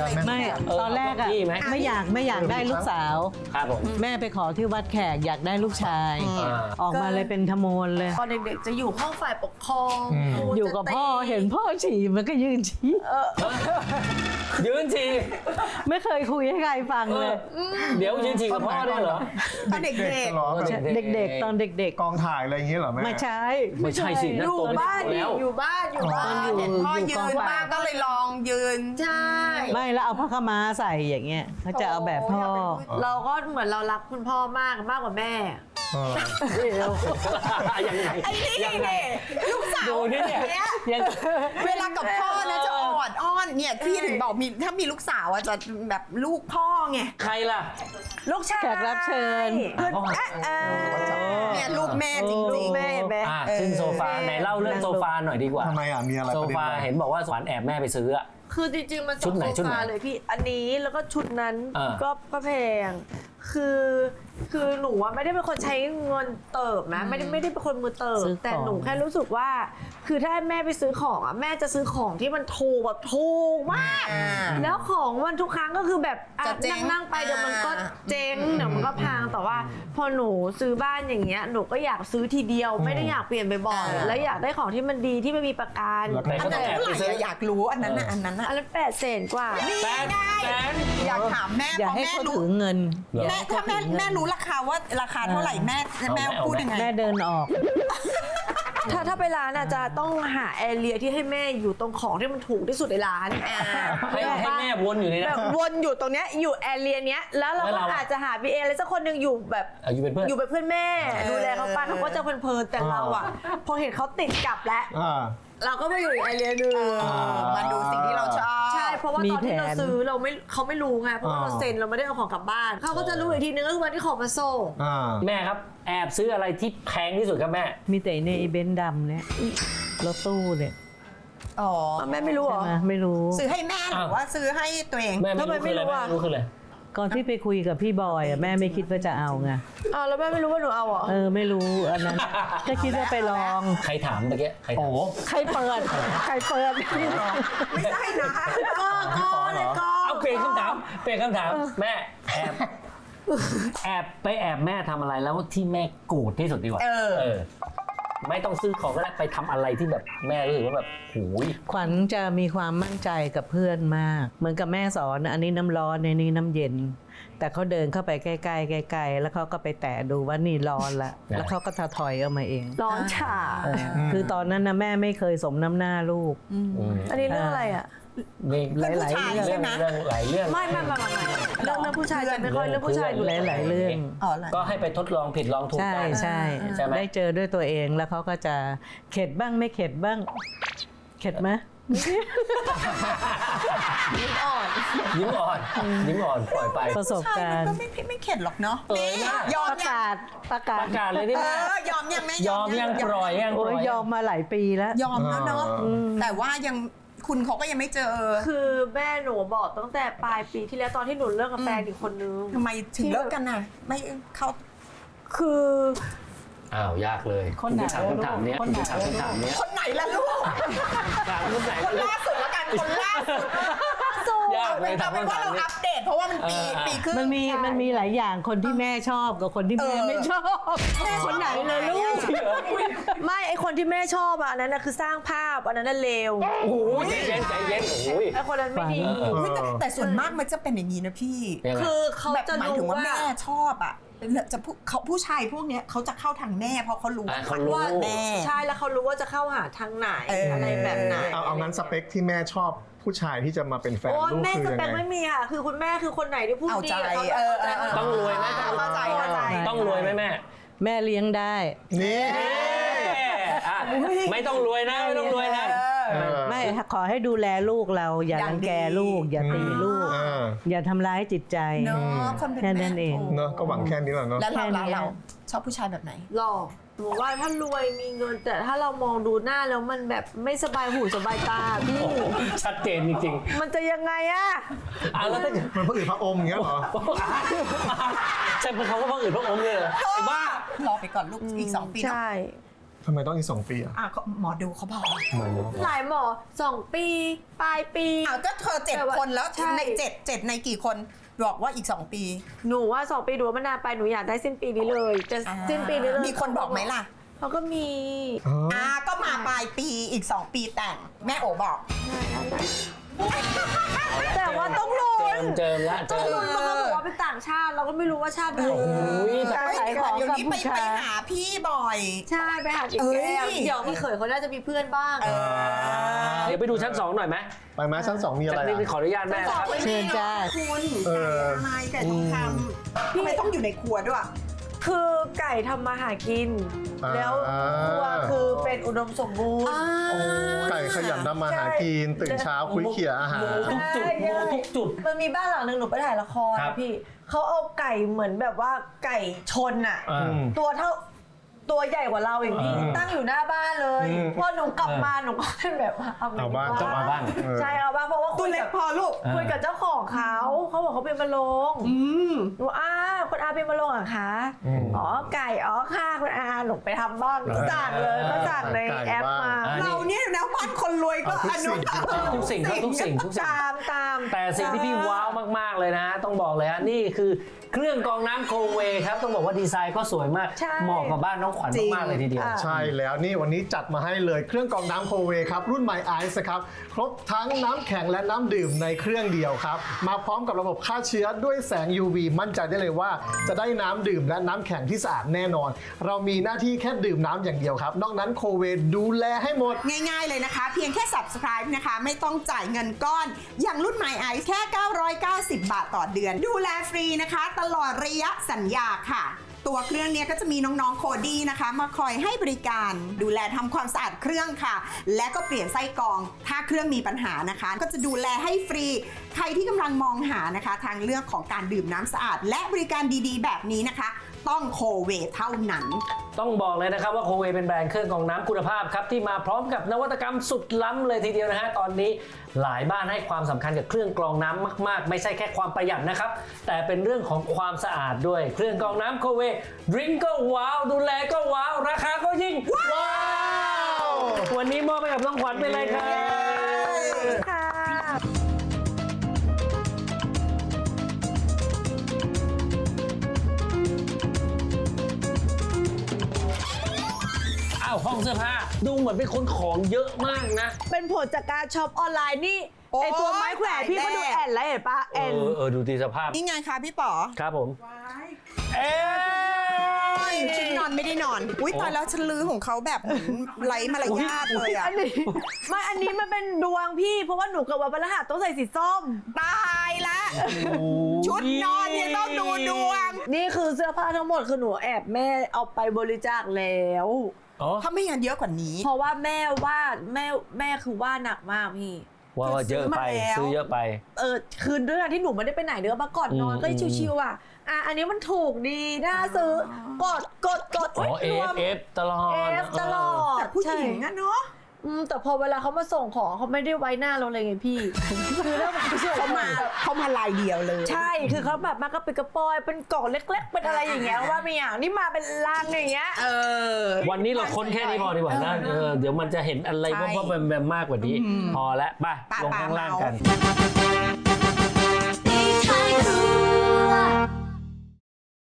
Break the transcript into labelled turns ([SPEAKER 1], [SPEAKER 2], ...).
[SPEAKER 1] ไม่ตอนแรกอะไม่อยากได้ลูกสาว
[SPEAKER 2] ครับผม
[SPEAKER 1] แม่ไปขอที่วัดแขกอยากได้ลูกชาย ออกมาเลยเป็นทโมนเลย
[SPEAKER 3] ตอนเด็กๆจะอยู่ห้องฝ่ายปกครองครู
[SPEAKER 1] อยู่กับพ่อ
[SPEAKER 3] จะตี
[SPEAKER 1] เห็นพ่อฉี่มันก็ยืนฉี่
[SPEAKER 2] ยืนฉี่
[SPEAKER 1] ไม่เคยคุยให้ใครฟังเลย
[SPEAKER 2] เดี๋ยวยืนฉี่กับพ่อได้เหรอ
[SPEAKER 3] ตอนเด็ก
[SPEAKER 4] เหรอ
[SPEAKER 1] เด็กๆตอนเด็ก
[SPEAKER 4] กองถ่ายอะไรอย่างเงี้ยเหรอแม่
[SPEAKER 1] ๆไม่ใช่
[SPEAKER 2] ไม่ใช่สิ
[SPEAKER 3] ๆ
[SPEAKER 2] นั่
[SPEAKER 3] อน ยู่
[SPEAKER 2] โตเป็น
[SPEAKER 3] บ้าน
[SPEAKER 2] สาวแล้ว
[SPEAKER 3] อยู่บ้านเห็นพ่อยืนบ้างก็เลยลองยืนใช่
[SPEAKER 1] ไม่แล้วเอาผ้าขาวม้าใส่อย่างเงี้ยเขาจะเอาแบบพ่อ
[SPEAKER 3] เราก็เหมือนเรารักคุณพ่อมากกว่าแม่
[SPEAKER 2] ยังไง
[SPEAKER 3] ไอ้นี่
[SPEAKER 2] ยังไง
[SPEAKER 3] ลูกสาว
[SPEAKER 2] ดูนี่เนี่ยยัง
[SPEAKER 3] เวลากับพ่อนะจะออดอ้อนเนี่ยพี่ถึงบอกมีถ้ามีลูกสาวอะจะแบบลูกพ่อไง
[SPEAKER 2] ใครล่ะ
[SPEAKER 3] ลูกชาย
[SPEAKER 1] แขกรับเชิญ
[SPEAKER 3] เนี่ยลูกแม่จริงๆแม่แม่
[SPEAKER 2] ขึ้นโซฟาไหนเล่าเรื่องโซฟาหน่อยดีกว่า
[SPEAKER 4] ทำไมอ่ะมีอะไร
[SPEAKER 2] โซ
[SPEAKER 4] ประเด็น
[SPEAKER 2] ฟา
[SPEAKER 4] อะไร
[SPEAKER 2] เห็นบอกว่าสวรรค์แอบแม่ไปซื้ออะ
[SPEAKER 3] คือจริงๆมัน
[SPEAKER 2] ชุดไหน
[SPEAKER 3] โซฟาเลยพี่อันนี้แล้วก็ชุดนั้น ก็แพงคือหนูว่าไม่ได้เป็นคนใช้เงินเติบนะไม่ได้เป็นคนมือเติบ
[SPEAKER 1] ซื้อของ
[SPEAKER 3] แต่หนูแค่รู้สึกว่า คือถ้าให้แม่ไปซื้อของอ่ะแม่จะซื้อของที่มันถูกแบบถูกมาก แล้วของมันทุกครั้งก็คือแบบอ่ะ
[SPEAKER 5] จะเจ๊ง
[SPEAKER 3] นั่งๆไปเดี๋ยวมันก็เจ๊งเดี๋ยวมันก็พังแต่ว่า พอหนูซื้อบ้านอย่างเงี้ยหนูก็อยากซื้อทีเดียวไม่ได้อยากเปลี่ยนบ่อยๆแล้วอยากได้ของที่มันดีที่ไม่มีประกัน
[SPEAKER 2] ไหนก็ต้องแอบไปซื้อ
[SPEAKER 5] อยากรู้อันนั้นน่ะ
[SPEAKER 3] อันนั้น800,000 กว่า
[SPEAKER 2] 800,000
[SPEAKER 5] อยากถามแม่
[SPEAKER 1] อย่า
[SPEAKER 5] เพราะ
[SPEAKER 1] ให้
[SPEAKER 5] แม่
[SPEAKER 1] เขา
[SPEAKER 5] รู้
[SPEAKER 1] ถือเงิน
[SPEAKER 5] แม่ถ้าแม่รู้ราคาว่าราคาเท่าไหร่แม่พูดยังไง
[SPEAKER 1] แม่เดินออก
[SPEAKER 3] ถ้าไปร้านอาจจะต้องหาแอเรียที่ให้แม่อยู่ตรงของที่มันถูกที่สุดในร้าน
[SPEAKER 2] ให้แม่วนอยู่ใน
[SPEAKER 3] แบ
[SPEAKER 2] นั้
[SPEAKER 3] บ
[SPEAKER 2] น
[SPEAKER 3] วนอยู่ตรงเนี้ยอยู่แอเรียเนี้ยแล้วเรา
[SPEAKER 2] แล้ว
[SPEAKER 3] ก็
[SPEAKER 2] เรา
[SPEAKER 3] อาจจะหาบีเออะไรสักคนหนึ่งอยู่แบบ
[SPEAKER 2] อยู่เป็นเพื่อน
[SPEAKER 3] อยู่เป็นเพื่อนแม่ดูแลเขาไปเขาก็จะเพลินๆแต่เราอ่ะพอเห็นเขาติดกลับแล้ว เราก็มาอยู่อีกแอเรียหนึง
[SPEAKER 5] มาดูสิ่งที่เราชอบ
[SPEAKER 3] ใช่เพราะว่า
[SPEAKER 1] มี
[SPEAKER 3] ตอนที่เรา
[SPEAKER 1] แผน
[SPEAKER 3] ซื้อเขาไม่รู้ไงเพราะว่าเราเซ็นเราไม่ได้เอาของกลับบ้านเขาก็จะรู้อีกทีนึงก็คือวันที่ของมาส่ง
[SPEAKER 2] แม่ครับแอบซื้ออะไรที่แพงที่สุดครับแม่
[SPEAKER 1] มีแต่ในเบนซ์ดำเนี่ยรถตู้เนี่ย
[SPEAKER 5] อ๋อ
[SPEAKER 3] แม่ไม่รู้เหร
[SPEAKER 1] ใช่
[SPEAKER 3] อ
[SPEAKER 1] ไหมไม่รู้
[SPEAKER 5] ซื้อให้แม่หรือว่าซื้อให้ตัวเอง
[SPEAKER 2] แม่ไม่รู้คืออะไรแม่ไม่รู้คืออะไร
[SPEAKER 1] ก่อนที่ไปคุยกับพี่บอยอะแม่ไม่คิดว่าจะเอาไง
[SPEAKER 3] อ้าวแล้วแม่ไม่รู้ว่าหนูเอาเหรอ
[SPEAKER 1] ไม่รู้อันนั้นก็คิดว่าไปลอง
[SPEAKER 2] ใครถามเมื่อกี้ใครถาม
[SPEAKER 1] ใครเปิด
[SPEAKER 5] ไม่ใช่นะ
[SPEAKER 2] เอาเปลี่ยนคำถามแม่แอบไปแอบแม่ทำอะไรแล้วที่แม่โกรธที่สุดดีกว่าไม่ต้องซื้อของก็ได้ไปทำอะไรที่แบบแม่รู้สึกว่าแบบหูย
[SPEAKER 1] ขวัญจะมีความมั่นใจกับเพื่อนมาก เหมือนกับแม่สอนอันนี้น้ำร้อนในนี้น้ำเย็น แต่เขาเดินเข้าไปใกล้ๆใกล้ๆแล้วเขาก็ไปแตะดูว่านี่ร้อนละแล้วเขาก็ถอยออกมาเอง
[SPEAKER 3] ร้อนฉ่า
[SPEAKER 1] คือตอนนั้นนะแม่ไม่เคยสมน้ำหน้าลูก
[SPEAKER 3] อันนี้เรื่องอะไรอ่ะ
[SPEAKER 1] หลายๆเรื่อง
[SPEAKER 2] เรื่องหลายเรื่อง
[SPEAKER 3] ไม่เรื่องผู้ชายจะไม่ค่อยเรื่องผู้ชายดู
[SPEAKER 1] หลายๆเรื่อง
[SPEAKER 2] ก็ให้ไปทดลองผิดลองถูก
[SPEAKER 1] ใช่
[SPEAKER 2] กัน
[SPEAKER 1] ใช่
[SPEAKER 2] ใช่ไหม
[SPEAKER 1] ได้เจอด้วยตัวเองแล้วเขาก็จะเข็ดบ้างไม่เข็ดบ้าง เข็ดไหม
[SPEAKER 2] ยิ้มอ่อนปล่อยไป
[SPEAKER 1] ประสบการณ์
[SPEAKER 5] ก็ไม่เข็ดหรอกเนาะยอม
[SPEAKER 1] ประ
[SPEAKER 5] ยัง
[SPEAKER 1] กาศ
[SPEAKER 2] ประกาศเลยดิแม่
[SPEAKER 5] ยอมยังแม่
[SPEAKER 2] ยอมยังปล่อยยัง
[SPEAKER 1] โอ้ยยอมมาหลายปีแล้ว
[SPEAKER 5] ยอมแล้วเนาะแต่ว่ายังคุณเขาก็ยังไม่เจอ
[SPEAKER 3] คือแม่หนูบอกตั้งแต่ปลายปีที่แล้วตอนที่หนูเลิกกับแฟนอีกคนนึง
[SPEAKER 5] ทำไมถึงเลิกกันน่ะไม่เขา
[SPEAKER 3] คือ
[SPEAKER 2] อ้าวยากเลย
[SPEAKER 1] คนไหน
[SPEAKER 2] ถามคำถามเนี้ย
[SPEAKER 1] คนไหน
[SPEAKER 2] ถามคำถามเนี้ย
[SPEAKER 5] คนไหนล่ะลูก
[SPEAKER 2] ถามคนไหน
[SPEAKER 5] คนล่าสุดละกันคนล่าสุด
[SPEAKER 2] ยากเลย
[SPEAKER 5] เอา
[SPEAKER 2] ถาม
[SPEAKER 5] เป็น
[SPEAKER 2] คำ
[SPEAKER 5] ว่า
[SPEAKER 2] ถาม
[SPEAKER 5] เรา
[SPEAKER 2] เนี้ย
[SPEAKER 5] อัปเดตเพราะว่ามันปีครึ่ง
[SPEAKER 1] มันมีหลายอย่างคนที่แม่ชอบกับคนที่แม่ไม่ชอบคนไหนเลยลูก
[SPEAKER 3] ไม่ไอคนที่แม่ชอบอ่ะอันนั้นน่ะคือสร้างภาพอันนั้นน่ะเลว
[SPEAKER 2] โอ้โหใจเย็นโอ้ย
[SPEAKER 3] ไอคนนั้นไม่ดี
[SPEAKER 5] อุ๊ยแต่ส่วนมากมันจะเป็นอย่างนี้นะพี่
[SPEAKER 2] ยังไง
[SPEAKER 3] คือเขา
[SPEAKER 5] แบบ
[SPEAKER 3] จะ
[SPEAKER 5] หมายถึ
[SPEAKER 3] รู้
[SPEAKER 5] งว่า
[SPEAKER 3] ว่า
[SPEAKER 5] แม่ชอบอ่ะจะผู้ชายพวกเนี้ยเขาจะเข้าทางแม่เพราะเขารู้
[SPEAKER 2] เขารู้
[SPEAKER 5] ว่าแม่
[SPEAKER 3] ใช่แล้วเขารู้ว่าจะเข้าหาทางไหน อะไรแบบไหน
[SPEAKER 4] เอางั้นสเปคที่แม่ชอบผู้ชายที่จะมาเป็นแฟน
[SPEAKER 3] โอ้
[SPEAKER 4] ลูก
[SPEAKER 3] แม่
[SPEAKER 4] คือ
[SPEAKER 3] ส
[SPEAKER 4] ยัง
[SPEAKER 3] เปค
[SPEAKER 4] ไง
[SPEAKER 3] ไม่มีค่ะคือคุณแม่คือคนไหนที่พูด
[SPEAKER 5] เอา
[SPEAKER 3] ดี
[SPEAKER 5] ใจ
[SPEAKER 3] กับเขา
[SPEAKER 2] ต้องรวยไหม
[SPEAKER 5] เข้าใจ
[SPEAKER 2] ต้องรวยไหมแม่
[SPEAKER 1] แม่เลี้ยงได้
[SPEAKER 4] นี่
[SPEAKER 2] อ่ะไม่ต้องรวยนะไม่ต้องรวยนะ
[SPEAKER 1] ไม่ขอให้ดูแลลูกเราอย่ารังแกลูก อย่าตีลูก อย่าทำร้ายจิตใจ
[SPEAKER 5] เนาะคนเป็น
[SPEAKER 1] แค่
[SPEAKER 5] แม่
[SPEAKER 1] นั้นเอง
[SPEAKER 4] เนอะก็หวังแค่นี้แหละเนอะ
[SPEAKER 5] แล้ว
[SPEAKER 1] แค่นี้
[SPEAKER 5] เราชอบผู้ชายแบบไหน
[SPEAKER 3] หล่อหนูว่าถ้ารวยมีเงินแต่ถ้าเรามองดูหน้าแล้วมันแบบไม่สบายหูสบายตาพี่
[SPEAKER 2] ชัดเจนจริง
[SPEAKER 3] มันจะยังไงอะ
[SPEAKER 2] ๆแล้วถ้า
[SPEAKER 4] มันพระอืดพระอมอย่างเงี้ยเหรอ
[SPEAKER 2] ใช่เป็นเขาก็พังอื่นพระอมเลยเหรอไอ้บ้าร
[SPEAKER 5] อไปก่อนลูกอีก2 ปีเนอะ
[SPEAKER 3] ใช่
[SPEAKER 4] ทำไมต้องอีก2 ปีอ่ะ
[SPEAKER 5] หมอดูเขาบอก
[SPEAKER 3] หลายหมอ2 ปีปลายปี
[SPEAKER 5] ก็เธอ
[SPEAKER 3] แต่ว่า
[SPEAKER 5] 7 คนแล้ว
[SPEAKER 3] ใช่
[SPEAKER 5] ใน7ในกี่คนบอกว่าอีก 2 ปี
[SPEAKER 3] หนูว่า2 ปีดูว่ามันนานไปหนูอยากได้สิ้นปีนี้เลยจะสิ้นปีนี้เลย
[SPEAKER 5] มีคนบอกไหมล่ะ
[SPEAKER 3] เขาก็มี
[SPEAKER 5] ก็มาปลายปีอีก 2 ปีแต่งแม่โอบอก
[SPEAKER 3] แต่ว่าต้องลุ้น
[SPEAKER 2] เจิมละ
[SPEAKER 3] ต้องลุ้นเพราะเขาบอกว่าเป็นต่างชาติเราก็ไม่รู้ว่าชาติไหน
[SPEAKER 2] แต่
[SPEAKER 3] ขายของ
[SPEAKER 5] เดี๋ยว
[SPEAKER 3] กับ
[SPEAKER 5] นี้
[SPEAKER 3] ผู้
[SPEAKER 5] ไป
[SPEAKER 3] ชาย
[SPEAKER 5] หาพี่บ่อย
[SPEAKER 3] ใช่ไปหาจิก
[SPEAKER 5] เอ้
[SPEAKER 3] แก้
[SPEAKER 5] ย
[SPEAKER 3] วเดี๋ยวพี่เขยเขาน่าจะมีเพื่อนบ้าง
[SPEAKER 2] เดี๋ยวไปดูชั้น 2 หน่อยไหม
[SPEAKER 4] ไปไหมชั้น 2 มีอะไร
[SPEAKER 2] ชั้นนี้
[SPEAKER 4] อ่ะ
[SPEAKER 2] ขออนุญาตแม่นะครับ
[SPEAKER 1] เชิญจ้า
[SPEAKER 5] คุณ
[SPEAKER 4] เออ
[SPEAKER 5] ไก่ไก่ทองคำทำไมต้องอยู่ในครัวด้วย
[SPEAKER 3] คือไก่ทำมาหากิน แล้วครัวคือเป็นอุดมสมบูรณ์
[SPEAKER 4] ไก่ขยันทำมาหากินตื่นเช้าคุยเขี่ยอาหาร
[SPEAKER 2] ทุกจุดโมทุกจุด
[SPEAKER 3] มันมีบ้านหลังหนึ่งหนูไปถ่ายละคร
[SPEAKER 2] ครับ
[SPEAKER 3] พี่เขาเอาไก่เหมือนแบบว่าไก่ชนอะ ตัวเท่าตัวใหญ่กว่าเราอย่างพี่ตั้งอยู่หน้าบ้านเลย พอหนูกลับมาหนูก็เป็นแบบว่าเอา
[SPEAKER 4] เอาบ้าง
[SPEAKER 2] ต้องเอาบ้าง
[SPEAKER 3] ใช่เอาบ้างเพราะว่า
[SPEAKER 5] ตัวเล็กพอลูก
[SPEAKER 3] คุยกับเจ้าของเขาบอกเขาเป็นมะโรงหนูคุณอาเป็นมะโรงเหรอคะอ๋อไก่อ๋อค่ะคุณอาหนูไปทำบ้างสั่งเลยก็สั่งในแอปมา
[SPEAKER 5] เราเนี่ยนะบ้านคนรวยก็อนุ
[SPEAKER 2] ทุกสิ่งครับทุกสิ่ง
[SPEAKER 3] ตาม
[SPEAKER 2] แต่สิ่งที่พี่ว้าวมากๆเลยนะต้องบอกเลยฮะนี่คือเครื่องกรองน้ำโคเวครับต้องบอกว่าดีไซน์ก็สวยมาก
[SPEAKER 3] ใช่
[SPEAKER 2] เหมาะกับบ้านน้องขวัญมากๆเลยทีเดียว
[SPEAKER 4] ใช่แล้วนี่วันนี้จัดมาให้เลยเครื่องกรองน้ำโคเวครับรุ่น My Ice ครับครบทั้งน้ำแข็งและน้ำดื่มในเครื่องเดียวครับมาพร้อมกับระบบฆ่าเชื้อด้วยแสง UV มั่นใจได้เลยว่าจะได้น้ำดื่มและน้ำแข็งที่สะอาดแน่นอน เรามีหน้าที่แค่ดื่มน้ำอย่างเดียวครับนอกนั้นโคเวดูแลให้หมด
[SPEAKER 5] ง่ายๆเลยนะคะ เพียงแค่ subscribe นะคะไม่ต้องจ่ายเงินก้อน อย่างรุ่น My Ice แค่ 990 บาทต่อเดือน ดูแลฟรีนะคะตลอดระยะสัญญาค่ะ ตัวเครื่องเนี้ยก็จะมีน้องๆโคดี้นะคะมาคอยให้บริการดูแลทำความสะอาดเครื่องค่ะ และก็เปลี่ยนไส้กรองถ้าเครื่องมีปัญหานะคะ ก็จะดูแลให้ฟรีใครที่กำลังมองหานะคะทางเลือกของการดื่มน้ำสะอาด และบริการดีๆ แบบนี้นะคะ ต้องโคเวเท่านั้น
[SPEAKER 2] ต้องบอกเลยนะครับว่าโคเวเป็นแบรนด์เครื่องกรองน้ำคุณภาพครับที่มาพร้อมกับนวัตกรรมสุดล้ำเลยทีเดียวนะฮะตอนนี้หลายบ้านให้ความสำคัญกับเครื่องกรองน้ำมากๆไม่ใช่แค่ความประหยัดนะครับแต่เป็นเรื่องของความสะอาดด้วยเครื่องกรองน้ำโคเวดริงก์ก็ว้าวดูแลก็ว้าวราคาก็ยิ่งว้าววันนี้มอบไปกับน้องขวัญไปเลยครับ
[SPEAKER 3] ค่ะ
[SPEAKER 2] อ้าวห้องเสื้อผ้าดูเหมือนเป็นคนของเยอะมากนะ
[SPEAKER 3] เป็นผลจากการช็อปออนไลน์นี่
[SPEAKER 5] โอ้ย
[SPEAKER 3] ไอตัวไม้แขวนพี่ก็ดู
[SPEAKER 5] ตายแล้ว
[SPEAKER 3] แอนแล้วเห็นปะแอน
[SPEAKER 2] ดูดีสภาพ
[SPEAKER 5] นี่ไงคะพี่ป๋อ
[SPEAKER 2] ครับผมเอ๊ะ
[SPEAKER 5] ชุดนอนไม่ได้นอน อุ้ยตายแล้วฉันลือของเขาแบบเหมือนไร้มารยาทเลยอะ
[SPEAKER 3] อันนี้ไม่อันนี้มันเป็นดวงพี่เพราะว่าหนูเกิดวันพฤหัสต้องใส่สีส้ม
[SPEAKER 5] ตายละชุดนอนเนี่ยต้องดูดวง
[SPEAKER 3] นี่คือเสื้อผ้าทั้งหมดคือหนูแอบแม่เอาไปบริจาคแล้ว
[SPEAKER 2] อ๋อ
[SPEAKER 5] ถ้าไม่งั้นเยอะกว่านี้
[SPEAKER 3] เพราะว่าแม่ว่าแม่คือว่าหนักมากพี่
[SPEAKER 2] ว่าเยอะไปซื้อเยอะไป
[SPEAKER 3] คือด้วยการที่หนูไม่ได้ไปไหนเนื้อมาก่อนนอนก็ชิวๆอันนี้มันถูกดีน่าซื้อกด
[SPEAKER 2] อ๋อ
[SPEAKER 3] รวม
[SPEAKER 2] F ตลอด
[SPEAKER 3] F ตลอด
[SPEAKER 5] แต่ผู้หญิงอะเนาะ
[SPEAKER 3] แต่พอเวลาเขามาส่งของเขาไม่ได้ไว้หน้าเราเลยไงพี่ คือเรื่องมันเชื่อ
[SPEAKER 5] เขามาลายเดียวเลย
[SPEAKER 3] ใช่คือเขาแบบมากระปิดกระปอยเป็นกล่องเล็ก ๆ เป็นอะไรอย่างเงี้ยว่าไม่อย่างนี่มาเป็นลังอย่างเงี้ย
[SPEAKER 2] วันนี้เราค้นแค่นี้พอดีกว่านะเดี๋ยวมันจะเห็นอะไร
[SPEAKER 5] ใช่
[SPEAKER 2] ว่าแบบมากกว่านี้ พอแล้วไป
[SPEAKER 5] ป่า
[SPEAKER 2] ลงข้างล่างกัน
[SPEAKER 5] เมา